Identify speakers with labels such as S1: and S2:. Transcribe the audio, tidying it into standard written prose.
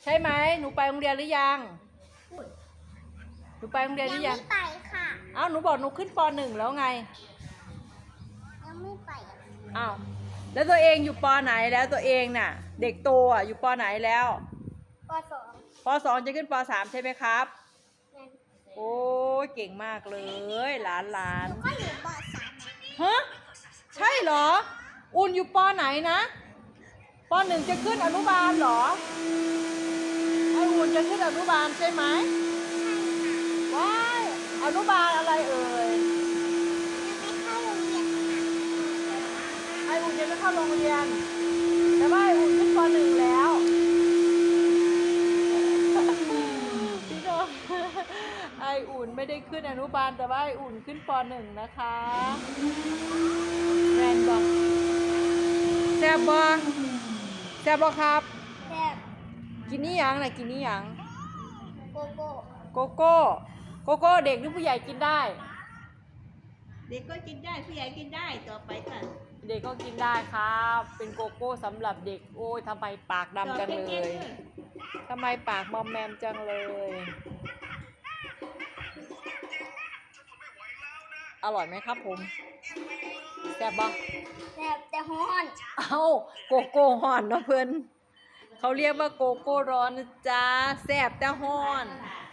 S1: ใช่ไหมหนูไปโรงเรียนหรือยังหนูไปโรงเรียนหรือยัง
S2: ไม่ไปค่ะ
S1: อ้าวหนูบอกหนูขึ้นป .1 แล้วไง
S2: ยังไม่ไป
S1: อ้าวแล้วตัวเองอยู่ป.ไหนแล้วตัวเองน่ะเด็กโตอ่ะอยู่ป.ไหนแล้ว
S2: ป .2
S1: ป .2 จะขึ้นป .3 ใช่ไหมครับโอ้ยเก่งมากเลยหลาน
S2: หนูก็อยู่ป .3
S1: ฮะใช่เหรออุ่นอยู่ป.ไหนนะป .1 จะขึ้นอนุบาลเหรอไออุ่นจะขึ้นอนุบาลใช่ไหมว้ายอนุบาลอะไรเอ่ย
S2: ไม่เข้าโรงเรียน
S1: ไออุ่นยังไม่เข้าโรงเรียนแต่ว่าไออุ่นขึ้นป .1 แล้วพี่น้องไออุ่นไม่ได้ขึ้นอนุบาลแต่ว่าไออุ่นขึ้นป .1 นะคะแมนบอกแซ่บบ่แซ่บบ่ครับ
S2: แบบ
S1: กินนี่ยังน่ะกินนี่ยัง
S2: โกโก้
S1: โกโก้โกโก้เด็กหรือผู้ใหญ่กินได้
S3: เด็กก็กินได้ผู้ใหญ่กินได้ต่อไปค่ะ
S1: เด็กก็กินได้ครับเป็นโกโก้สำหรับเด็กโอ้ยทำไมปากดำจังเลยทำไมปากมอมแมมจังเลยอร่อยไหมครับผมแซ่บบ้าง
S2: แบบแต่ฮ้อน
S1: เอ้าโกโก้ฮ้อนเนาะเพื่อนเขาเรียกว่าโกโก้ร้อนนะจ๊ะแซ่บแต่ฮ้อน